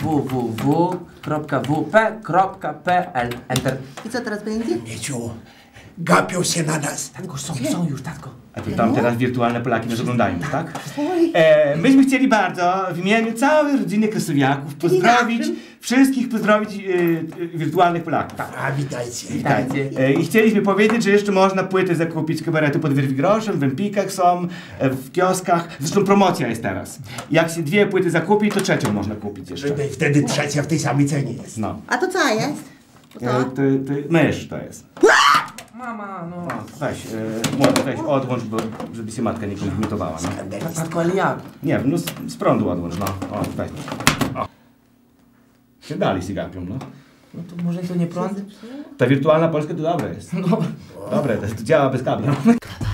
www.wp.pl. Enter. I co teraz będzie? Mieciu, gapią się na nas. Tatko, są już, tatko. A to tam teraz wirtualne Polaki nas oglądają, tak? Myśmy chcieli bardzo w imieniu całej rodziny Krasowiaków pozdrowić wirtualnych Polaków. A witajcie. Witajcie. I chcieliśmy powiedzieć, że jeszcze można płyty zakupić kabaretu pod groszem, w Empikach są, w kioskach. Zresztą promocja jest teraz. Jak się 2 płyty zakupi, to 3 można kupić jeszcze. I wtedy trzecia w tej samej cenie jest. No. A to co jest? To mysz to jest. Mama, no. O, weź, odłącz, żeby się matka nie kompromitowała, no. Tatko, ale jak? Nie wiem, no z prądu odłącz, no. O, weź. O. Się dalej się gapią, no. No to może to nie prąd? Ta wirtualna Polska to dobre jest. No. Dobre, to działa bez kabla.